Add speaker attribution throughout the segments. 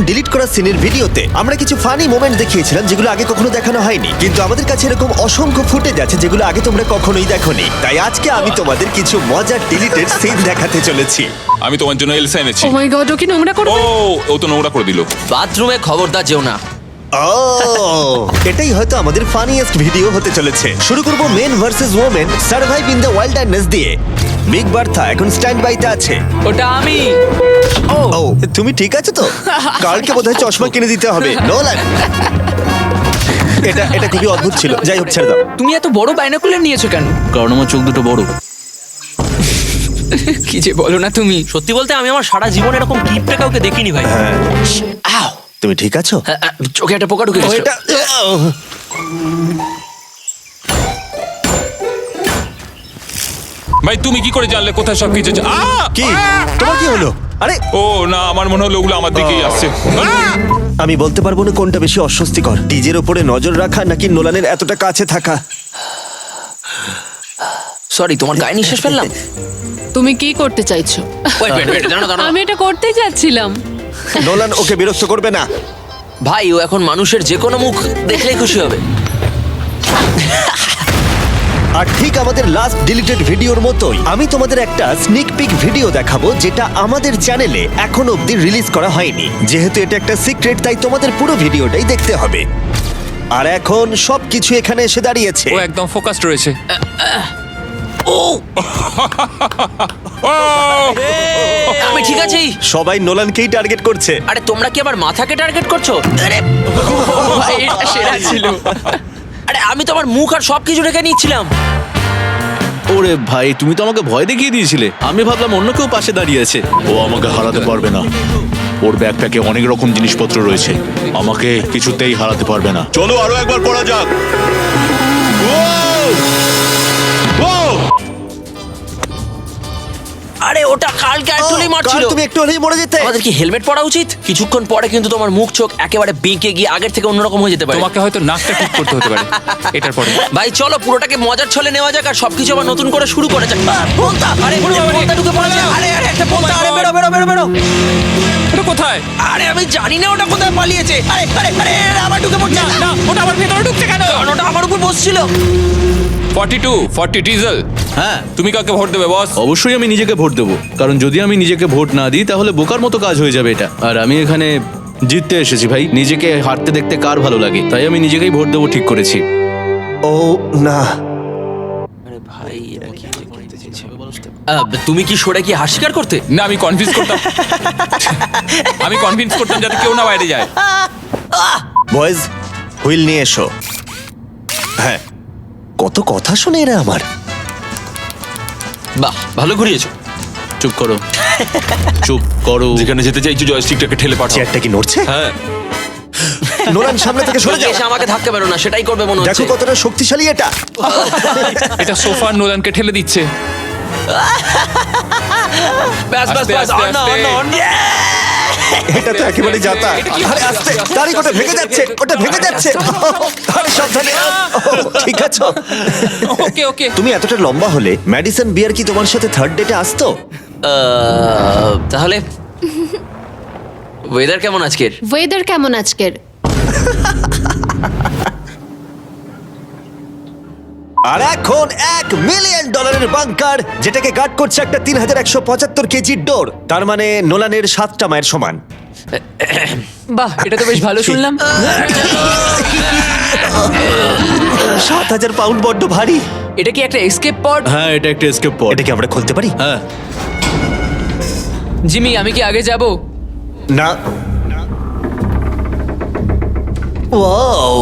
Speaker 1: Delete করা সিনের ভিডিওতে আমরা কিছু ফানি মোমেন্ট দেখিয়েছিলাম যেগুলো আগে কখনো দেখানো হয়নি, কিন্তু আমাদের কাছে এরকম অসংখ্য ফুটেজ আছে যেগুলো আগে তোমরা কখনোই দেখোনি। তাই আজকে আমি তোমাদের কিছু মজার ডিলিটেড সিন দেখাতে চলেছি।
Speaker 2: আমি তোমার জন্য এলসা এনেছি।
Speaker 3: ও মাই গড, ও কি নোংরা
Speaker 2: ও
Speaker 3: করবে?
Speaker 2: ও তো নোংরা করে দিল।
Speaker 4: বাথরুমে খবরদার যেও না।
Speaker 1: এটাই হয়তো আমাদের ফানিয়েস্ট ভিডিও হতে চলেছে। শুরু করব men versus women survive in the wilderness দিয়ে। বিগ বার্থা এখন স্ট্যান্ড বাইতে আছে।
Speaker 4: ওটা আমি।
Speaker 1: ও তুমি ঠিক আছো তো? কালকে বোধহয় চশমা কিনে দিতে হবে। নোলান, এটা খুবই অদ্ভুত ছিল। যাই হোক, ছেড়ে দাও।
Speaker 4: তুমি এত বড় বাইনোকুলার নিয়েছো কেন?
Speaker 5: কারণ আমার চোখ দুটো বড়।
Speaker 4: কি যে বলো না তুমি। সত্যি বলতে আমি আমার সারা জীবন এরকম কিপটা কাউকে দেখিনি ভাই। আউ,
Speaker 1: তুমি ঠিক আছো?
Speaker 4: চোখে একটা পোকা ঢুকে
Speaker 1: ও,
Speaker 4: গেছে।
Speaker 1: এটা
Speaker 2: ভাই তুমি কি করে জানলে কোথায় সব কিছু
Speaker 1: কি? তোমার কি হলো? আরে
Speaker 2: ও না, আমার মনে হলো ওগুলো আমার দিকেই আসছে।
Speaker 1: আমি বলতে পারবো না কোনটা বেশি অস্বস্তিকর, ডিজের ওপরে নজর রাখা নাকি নোলানের এতটা কাছে থাকা।
Speaker 4: সরি, তোমার গায়ে নিঃশ্বাস ফেললাম।
Speaker 3: তুমি কি করতে চাইছো?
Speaker 4: ওয়েট, জানো দাঁড়াও।
Speaker 3: আমি এটা করতেই যাচ্ছিলাম।
Speaker 1: নোলান ওকে বিরক্ত করবে না।
Speaker 4: ভাই ও এখন মানুষের যে কোনো মুখ দেখলেই খুশি হবে।
Speaker 1: আর ঠিক আমাদের লাস্ট ডিলিটেড ভিডিওর মতোই আমি তোমাদের একটা স্নিক পিক ভিডিও দেখাবো যেটা আমাদের চ্যানেলে এখন অবধি রিলিজ করা হয়নি। যেহেতু এটা একটা সিক্রেট তাই তোমাদের পুরো ভিডিওটাই দেখতে হবে। আর এখন সবকিছু এখানে এসে দাঁড়িয়েছে।
Speaker 2: ও একদম ফোকাসড রয়েছে।
Speaker 4: ও
Speaker 2: ও
Speaker 4: আমি ঠিক আছি।
Speaker 1: সবাই নোলানকেই টার্গেট করছে।
Speaker 4: আরে তোমরা কি আবার মাথাকে টার্গেট করছো? আরে ভাই, এটা সেরা ছিল। আরে আমি তো আমার মুখ আর সবকিছু রেখে নিচ্ছিলাম।
Speaker 5: ওরে ভাই, তুমি তো আমাকে ভয় দেখিয়ে দিয়েছিলে। আমি ভাবলাম অন্য কেউ পাশে দাঁড়িয়ে আছে।
Speaker 6: ও আমাকে হারাতে পারবে না। ওর ব্যাকপ্যাকে অনেক রকম জিনিসপত্র রয়েছে, আমাকে কিছুতেই হারাতে পারবে না। চলো আরো একবার করা যাক।
Speaker 4: আরে ওটা কালকে অ্যাকচুয়ালি মারছিল।
Speaker 1: কাল তুমি একটু হলেই মরে যেতে।
Speaker 4: আমাদের কি হেলমেট পরা উচিত? কিছুক্ষণ পরে কিন্তু তোমার মুখ চোখ একেবারে বেঁকে গিয়ে আগের থেকে অন্যরকম হয়ে যেতে পারে।
Speaker 2: তোমাকে হয়তো নাকটা ঠিক করতে হতে পারে এটার পরে।
Speaker 4: ভাই চলো পুরোটাকে মজার ছলে নেওয়া যাক আর সবকিছু আবার নতুন করে শুরু করা যাক। পোন্তা, আরে পোন্তা ঢুকে পড়েছে। আরে একটা পোন্তা, আরে বেরো বেরো বেরো বেরো।
Speaker 2: এটা কোথায়?
Speaker 4: আরে আমি জানি না ওটা কোথায় পালিয়েছে। আরে আরে আরে আবার ঢুকে পড়ছে।
Speaker 2: না, ওটা আমার ভেতরে ঢুকছে কেন?
Speaker 4: কারণ ওটা আমার উপর বসছিল।
Speaker 2: 40 ডিজেল।
Speaker 5: হ্যাঁ,
Speaker 2: তুমি কাকে ভোট দেবে বস?
Speaker 5: অবশ্যই আমি নিজেকে ভোট দেবো, কারণ যদি আমি নিজেকে ভোট না দিই তাহলে বোকার মতো কাজ হয়ে যাবে এটা। আর আমি এখানে জিততে এসেছি ভাই। নিজেকে হারতে দেখতে কার ভালো লাগে, তাই আমি নিজেকেই ভোট দেবো ঠিক করেছি।
Speaker 1: ও না,
Speaker 4: আরে ভাই এটা কি করতে চাইছে? তুমি কি সরে কি হার স্বীকার করতে?
Speaker 2: না, আমি কনভিন্স করতাম। আমি কনভিন্স করতাম যাতে কেউ না বাইরে যায়।
Speaker 1: বয়েজ হুইল নিয়ে এসো। হ্যাঁ, কত কথা শুনে এরা আমার।
Speaker 4: বাহ, ভালো ঘুরিয়েছো।
Speaker 5: চুপ করো, চুপ করো।
Speaker 2: যেখানে যেতে চাইছো জয়স্টিকটাকে ঠেলে পাঠাও।
Speaker 1: চেয়ারটা কি নড়ছে?
Speaker 2: হ্যাঁ,
Speaker 1: নোলান সামনে থেকে সরে যাও।
Speaker 4: এসে আমাকে ধাক্কা বেরো না, সেটাই করবে মনে
Speaker 1: দেখো
Speaker 4: হচ্ছে।
Speaker 1: কতটা শক্তিশালী এটা।
Speaker 2: এটা সোফা নোলানকে ঠেলে দিচ্ছে।
Speaker 4: ব্যাস ব্যাস
Speaker 2: আস্তে,
Speaker 4: ব্যাস,
Speaker 2: আস্তে,
Speaker 4: অন,
Speaker 2: আস্তে।
Speaker 4: On, on.
Speaker 1: এটা তো একেবারে যাতা।
Speaker 2: এটা কি
Speaker 1: আরে আস্তে, তারিখ ওটা ভেঙে যাচ্ছে, ওটা ভেঙে যাচ্ছে। আরে সাবধানে। ঠিক আছো?
Speaker 2: ওকে ওকে।
Speaker 1: তুমি এতটা লম্বা হলে ম্যাডিসন বিয়ার কি তোমার সাথে থার্ড ডেটে আসতো?
Speaker 4: তাহলে ওয়েদার কেমন আজকের?
Speaker 3: ওয়েদার কেমন আজকের?
Speaker 1: আর এখন $1 মিলিয়ন বাংকার যেটাকে গার্ড করছে একটা 3175 কেজির ডোর। তার মানে নোলানের 7টা মায়ের সমান।
Speaker 4: বাহ, এটা তো বেশ ভালো শুনলাম।
Speaker 1: 7000 পাউন্ড বড্ড ভারী।
Speaker 4: এটা কি একটা এসকেপ পড?
Speaker 5: হ্যাঁ, এটা একটা এসকেপ পড।
Speaker 1: এটা কি আমরা খুলতে পারি?
Speaker 5: হ্যাঁ,
Speaker 4: জিমি, আমি কি আগে যাব?
Speaker 1: না। Wow,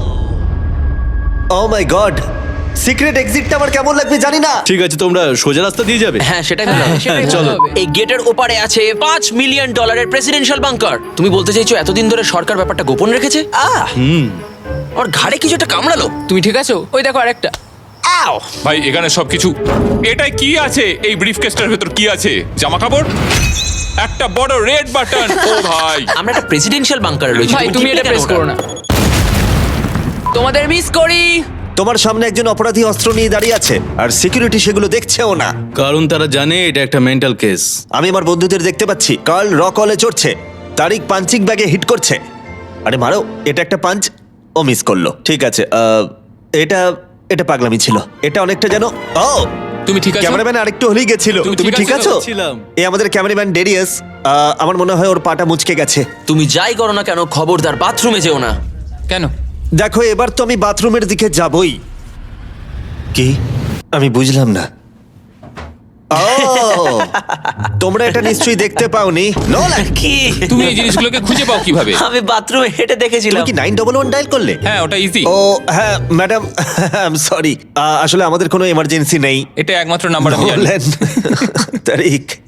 Speaker 1: oh my god, secret এক্সিটটা আমার কেমন লাগবে জানি না।
Speaker 5: ঠিক আছে, তোমরা সোজা রাস্তা দিয়ে যাবে।
Speaker 4: হ্যাঁ, সেটাই ভালো হবে।
Speaker 5: চলো।
Speaker 4: এই গেটের ওপারে আছে $5 মিলিয়ন প্রেসিডেন্সিয়াল বাংকার। তুমি বলতে চাইছো এতদিন ধরে সরকার ব্যাপারটা গোপন রেখেছে? ওর ঘাড়ে কিছু একটা কামড়ালো। তুমি ঠিক আছো? ওই দেখো আরেকটা। আও!
Speaker 2: ভাই এখানে সবকিছু। এটাই কি আছে? এই ব্রিফকেসটার ভেতর কি আছে? জামা কাপড়, একটা বড় রেড বাটন। ও ভাই,
Speaker 4: আমরা একটা প্রেসিডেন্সিয়াল বাংকারে রয়েছি।
Speaker 7: ভাই তুমি এটা প্রেস করো না। তোমাদের মিস করি।
Speaker 1: তোমার সামনে একজন অপরাধী অস্ত্র নিয়ে দাঁড়িয়ে আছে আর সিকিউরিটি সেগুলো দেখছেও না।
Speaker 5: কারণ তারা জানে এটা একটা মেন্টাল কেস।
Speaker 1: আমি আমার বন্ধুদের দেখতে পাচ্ছি। কার্ল রক হলে চড়ছে। তারিক পাঞ্চিং ব্যাগে হিট করছে। আরে মারো, এটা একটা পাঞ্চ, ও মিস করলো। ঠিক আছে, এটা এটা পাগলামি ছিল। এটা অনেকটা যেন ও
Speaker 2: তুমি ঠিক আছো?
Speaker 1: ক্যামেরাম্যান আরেকটু হলেই গেছিল।
Speaker 2: তুমি
Speaker 1: তুমি
Speaker 2: ঠিক
Speaker 1: ঠিক
Speaker 2: আছো?
Speaker 1: আছো?
Speaker 5: ছিলাম।
Speaker 1: এই আমাদের ক্যামেরাম্যান ডেরিয়াস, আমার মনে হয় ওর পাটা মুচকে গেছে।
Speaker 4: তুমি যাই করো না কেন খবরদার বাথরুমে যেও না।
Speaker 2: কেন?
Speaker 1: দেখো, এবার তো আমি বাথরুমের দিকে যাবই। কি? আমি বুঝলাম না। ও, তোমরা এটা নিশ্চয়ই দেখতে পাওনি। নোলান,
Speaker 4: কি
Speaker 2: তুমি এই জিনিসগুলোকে খুঁজে পাও কিভাবে?
Speaker 4: আমি বাথরুমে হেঁটে
Speaker 1: তুমি
Speaker 4: দেখেছিলাম।
Speaker 1: কি 911 ডায়াল করলে?
Speaker 2: হ্যাঁ, ওটা ইজি।
Speaker 1: ও হ্যাঁ ম্যাডাম, সরি, আসলে আমাদের কোনো এমার্জেন্সি নেই।
Speaker 2: এটা একমাত্র নাম্বার আমি জানি।
Speaker 1: নোলান, তারিক,